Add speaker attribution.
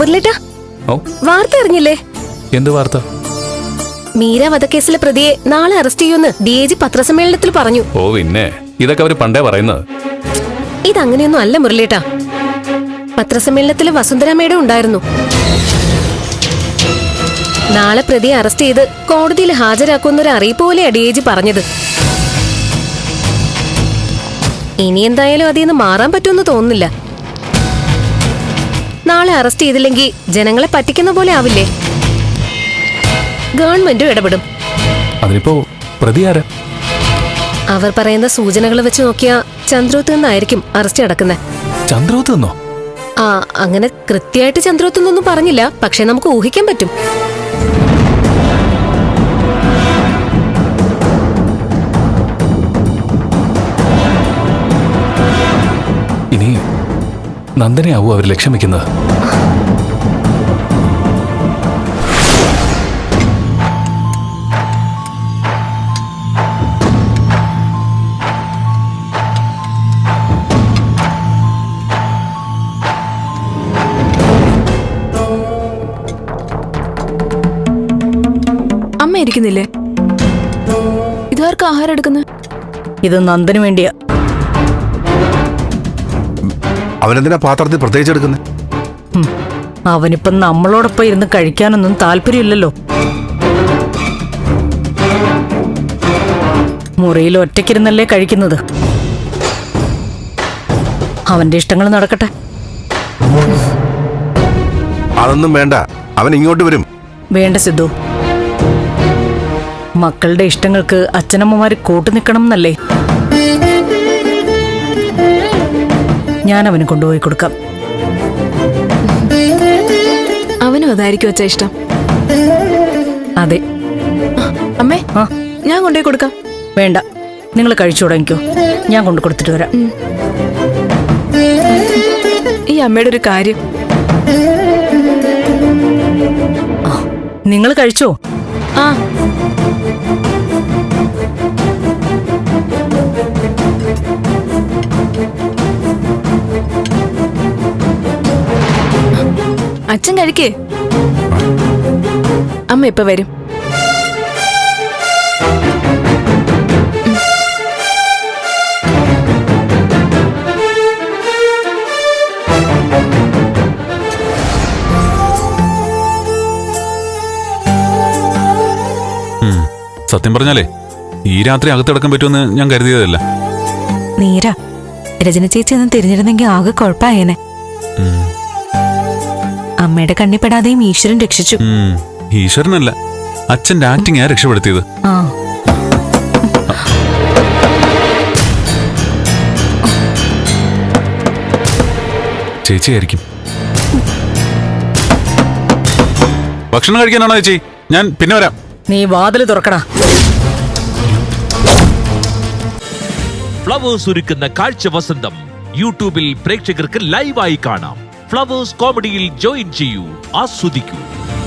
Speaker 1: മുരളിട്ടാ, വാർത്ത അറിഞ്ഞില്ലേ?
Speaker 2: എന്ത് വാർത്ത?
Speaker 1: മീര വധക്കേസിലെ പ്രതിയെ നാളെ അറസ്റ്റ് ചെയ്യുമെന്ന് DIG പത്രസമ്മേളനത്തിൽ പറഞ്ഞു.
Speaker 2: ഓ പിന്നെ, ഇതൊക്കെ അവര് പണ്ടേ പറയുന്നത്.
Speaker 1: ഇതങ്ങനെയൊന്നും അല്ല മുരളിട്ടാ. പത്രസമ്മേളനത്തിൽ വസുന്ധര മേഡം ഉണ്ടായിരുന്നു. നാളെ പ്രതിയെ അറസ്റ്റ് ചെയ്ത് കോടതിയിൽ ഹാജരാക്കുന്നൊരു അറിയിപ്പ് പോലെയാ DIG പറഞ്ഞത്. ഇനി എന്തായാലും അതിന്ന് മാറാൻ പറ്റുമെന്ന് തോന്നുന്നില്ല. നാളെ അറസ്റ്റ് ചെയ്തില്ലെങ്കിൽ ജനങ്ങളെ പറ്റിക്കുന്ന പോലെ ആവില്ലേ? ഗവൺമെന്റും ഇടപെടും.
Speaker 2: അതിനിപ്പോ പ്രതി ആരാ?
Speaker 1: അവർ പറയുന്ന സൂചനകൾ വെച്ച് നോക്കിയാ ചന്ദ്രോത്ത് നിന്നായിരിക്കും അറസ്റ്റ് നടക്കുന്നത്.
Speaker 2: ചന്ദ്രോത്ത് നിന്നോ?
Speaker 1: ആ, അങ്ങനെ കൃത്യമായിട്ട് ചന്ദ്രോത്ത് നിന്നൊന്നും പറഞ്ഞില്ല, പക്ഷെ നമുക്ക് ഊഹിക്കാൻ പറ്റും.
Speaker 2: ഇനി നന്ദനെയാവൂ അവർ ലക്ഷ്യം വെക്കുന്നത്.
Speaker 3: അമ്മ ഇരിക്കുന്നില്ലേ? ഇതാർക്ക് ആഹാരം എടുക്കുന്നത്?
Speaker 4: ഇത് നന്ദന് വേണ്ടിയാ.
Speaker 5: അവനെന്തിനാ പാത്രത്തിൽ പ്രത്യേകിച്ച് എടുക്കുന്നത്?
Speaker 4: അവനിപ്പം നമ്മളോടൊപ്പം ഇരുന്ന് കഴിക്കാനൊന്നും താല്പര്യമില്ലല്ലോ. മുറിയിൽ ഒറ്റയ്ക്കിരുന്നല്ലേ കഴിക്കുന്നത്. അവന്റെ ഇഷ്ടങ്ങൾ നടക്കട്ടെ.
Speaker 5: അതൊന്നും വേണ്ട, അവൻ ഇങ്ങോട്ട് വരും.
Speaker 4: വേണ്ട സിദ്ധു, മക്കളുടെ ഇഷ്ടങ്ങൾക്ക് അച്ഛനമ്മമാര് കൂട്ടുനിൽക്കണം എന്നല്ലേ. ഞാൻ അവന് കൊണ്ടുപോയി കൊടുക്കാം.
Speaker 3: അവനും അതായിരിക്കും അച്ഛാ ഇഷ്ടം.
Speaker 4: അതെ.
Speaker 3: അമ്മേ, ഞാൻ കൊണ്ടുപോയി കൊടുക്കാം.
Speaker 4: വേണ്ട, നിങ്ങൾ കഴിച്ചു തുടങ്ങിക്കോ, ഞാൻ കൊണ്ടു കൊടുത്തിട്ട് വരാം.
Speaker 3: ഈ അമ്മയുടെ ഒരു കാര്യം.
Speaker 4: നിങ്ങൾ കഴിച്ചോ?
Speaker 3: ആ, അച്ഛൻ കഴിക്കേ. അമ്മ ഇപ്പൊ വരും.
Speaker 6: സത്യം പറഞ്ഞാലേ ഈ രാത്രി അകത്തിടക്കാൻ പറ്റുമെന്ന് ഞാൻ കരുതിയതല്ല.
Speaker 7: നീര, രചന ചേച്ചി ഒന്നും തിരിഞ്ഞിരുന്നെങ്കിൽ ആകെ കുഴപ്പമായേനെ. അമ്മയുടെ കണ്ണിപ്പെടാതെയും ഈശ്വരൻ രക്ഷിച്ചു.
Speaker 6: ഈശ്വരനല്ല, അച്ഛന്റെ ആക്ടിങ് രക്ഷപ്പെടുത്തിയത്.
Speaker 7: ആ,
Speaker 6: ചേച്ചിയായിരിക്കും. ഭക്ഷണം കഴിക്കാനാണോ ചേച്ചി? ഞാൻ പിന്നെ വരാം.
Speaker 4: നീ വാതില് തുറക്കടാ.
Speaker 8: ഫ്ലവേഴ്സ് ഒരുക്കുന്ന കാഴ്ച വസന്തം യൂട്യൂബിൽ പ്രേക്ഷകർക്ക് ലൈവായി കാണാം. ഫ്ലവേഴ്സ് കോമഡിയിൽ ജോയിൻ ചെയ്യൂ, ആസ്വദിക്കൂ.